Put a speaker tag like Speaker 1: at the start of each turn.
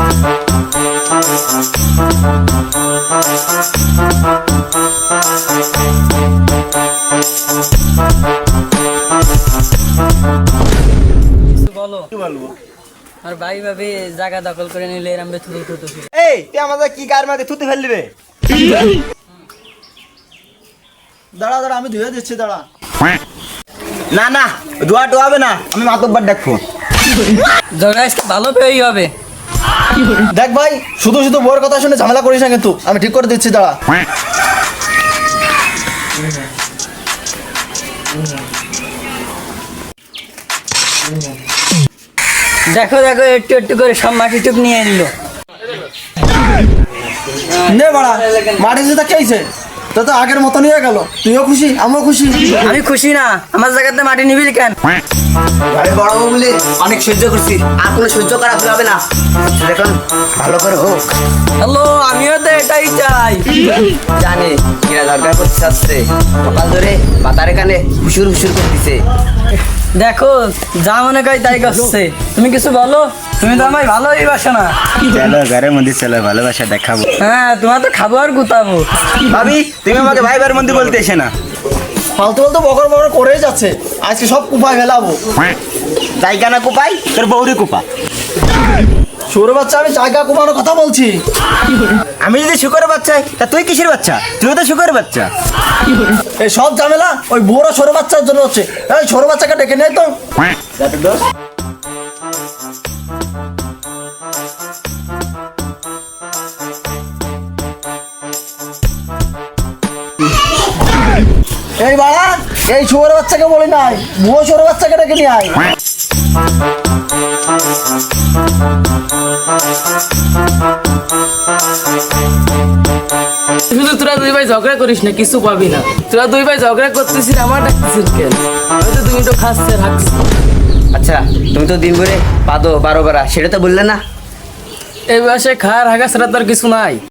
Speaker 1: বলো
Speaker 2: কি বলবো?
Speaker 1: আর ভাই ভাবি জায়গা দখল করে নিলে এরম থুতু থুতু
Speaker 2: এই তুই আমাদের কি গায়ের মধ্যে থুতে ফেললি রে?
Speaker 3: দাঁড়া দাঁড়া, আমি ধুয়ে দিচ্ছি, দাঁড়া।
Speaker 2: না না, ধোয়া টোয়াবে না, আমি মাতব্বর ডাকবো।
Speaker 1: ঝগড়া আজকে ভালো পেয়েই হবে।
Speaker 3: দেখ ভাই, শুধু শুধু বোর কথা শুনে ঝামেলা করিস না কিন্তু, আমি ঠিক করে দিচ্ছি, দাঁড়া।
Speaker 1: দেখো দেখো একটু একটু করে সব মাটি টুক নিয়ে নিল।
Speaker 3: নে বাড়া, মাটি যেটা খেয়েছে তা তো আগের মতো নিয়ে গেল। তুইও খুশি, আমিও খুশি।
Speaker 1: আমি খুশি না, আমার জায়গাতে মাটি নিবি কেন?
Speaker 2: আরে বড় বলে অনেক সহ্য করছি, আর কোনো সহ্য করা হবে না। এখন ভালো করে হোক।
Speaker 1: হ্যালো, আমিও তো এটাই চাই।
Speaker 2: জানে কিরা দরকার করতে আসছে, সকাল ধরে বাতারে কানে হুসুর হুসুর করতেছে।
Speaker 1: দেখো যা মনে করি তাই করছে, তুমি কিছু বলো। তুমি তো আমায় ভালোই বাসো না।
Speaker 2: চলো ঘরের মধ্যে চলো, ভালোবাসা দেখাবো।
Speaker 1: হ্যাঁ, তোমার তো খাবো আর গুতাবো।
Speaker 2: ভাবি তুমি আমাকে ভাই ভাইয়ের মধ্যে বলতে এসে না।
Speaker 3: ফালতু ফালতু বকর বকর করেই যাচ্ছে, আজকে সব কুপায় ফেলাবো।
Speaker 2: জায়গা না কুপাই, তোর বৌরি কুপা।
Speaker 3: সৌর বাচ্চা, আমি জায়গা কুপানোর কথা বলছি।
Speaker 2: আমি যদি শুকরের বাচ্চা হই, তা তুই কিসের বাচ্চা? তুই তো শুকরের বাচ্চা।
Speaker 3: এই সব ঝামেলা ওই বড় সৌর বাচ্চার জন্য হচ্ছে। এই সৌর বাচ্চাকে ডেকে নেই তো। এই বাড়া, এই শুয়োর বাচ্চাকে বলি নাই, বুয়ো শুয়োর বাচ্চাকে ডেকে নিয়ে আয়।
Speaker 4: শুধু তোরা দুই ভাই ঝগড়া করিস না, কিছু পাবি না। তোরা দুই ভাই ঝগড়া করতেছিস, আমার ডাকতেছিস কেন? হয়তো তুমি তো খাচ্ছে রাখছিস।
Speaker 2: আচ্ছা তুমি তো দিন ভরে পাদো 12 বার, সেটা তো বললে না।
Speaker 4: এই বয়সে খাওয়ার হাগা ছাড়া তোর কিছু নাই।